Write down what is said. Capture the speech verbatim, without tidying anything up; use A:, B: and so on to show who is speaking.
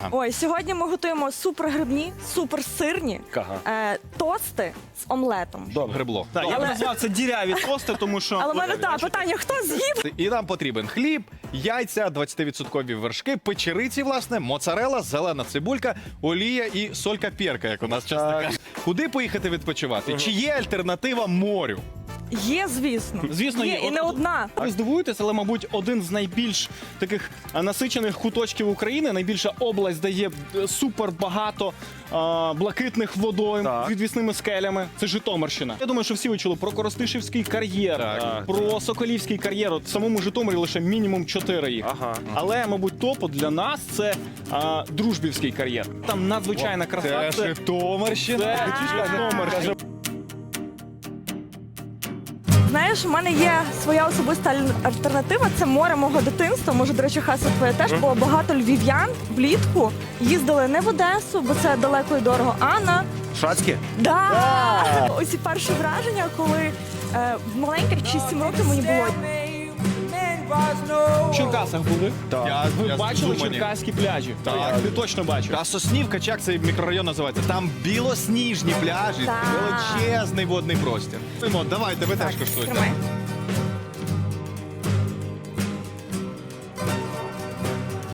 A: Ага.
B: Ой, сьогодні ми готуємо супергрибні, суперсирні
A: Ага.
B: е, тости з омлетом.
A: Добре. Грибло.
C: Так, я
B: Але-
C: б назвав це діряві тости, тому що...
B: Але в мене так, питання, хто з'їв?
A: І нам потрібен хліб, яйця, двадцятивідсоткові вершки, печериці, власне, моцарела, зелена цибулька, олія і солька-перка, як у нас часто кажуть. Куди поїхати відпочивати? Чи є альтернатива морю?
B: Є, звісно.
C: Звісно,
B: є.
C: є.
B: І не
C: От-
B: одна.
C: Ви здивуєтесь, але, мабуть, один з найбільш таких а, насичених куточків України, найбільша область, де є е, супер багато а, блакитних водойм
A: Так.
C: з відвісними скелями. Це Житомирщина. Я думаю, що всі ви чули про Коростишівський кар'єр,
A: Так.
C: а, про Соколівський кар'єр. От в самому Житомирі лише мінімум чотири їх.
A: Ага.
C: Але, мабуть, топу для нас це а, Дружбівський кар'єр. Там надзвичайна краса.
A: Це Житомирщина.
C: Це Житомир.
B: Знаєш, у мене є своя особиста аль- альтернатива. Це море мого дитинства. Може, до речі, Хаса, твоє теж, бо багато львів'ян влітку їздили не в Одесу, бо це далеко і дорого, а на
A: Шацьке?
B: Да! Оці перші враження, коли е, в маленьких шість-сім років мені було.
C: В Черкасах були.
A: Так. Я-
C: Ви
A: я
C: бачили
A: з Умані.
C: черкаські пляжі?
A: Так.
C: Ти точно бачив.
A: А Соснівка, чи як цей мікрорайон називається? Там білосніжні пляжі,
B: Так.
A: величезний водний простір. Ну, давайте, ви теж коштуєте.
B: Тримай.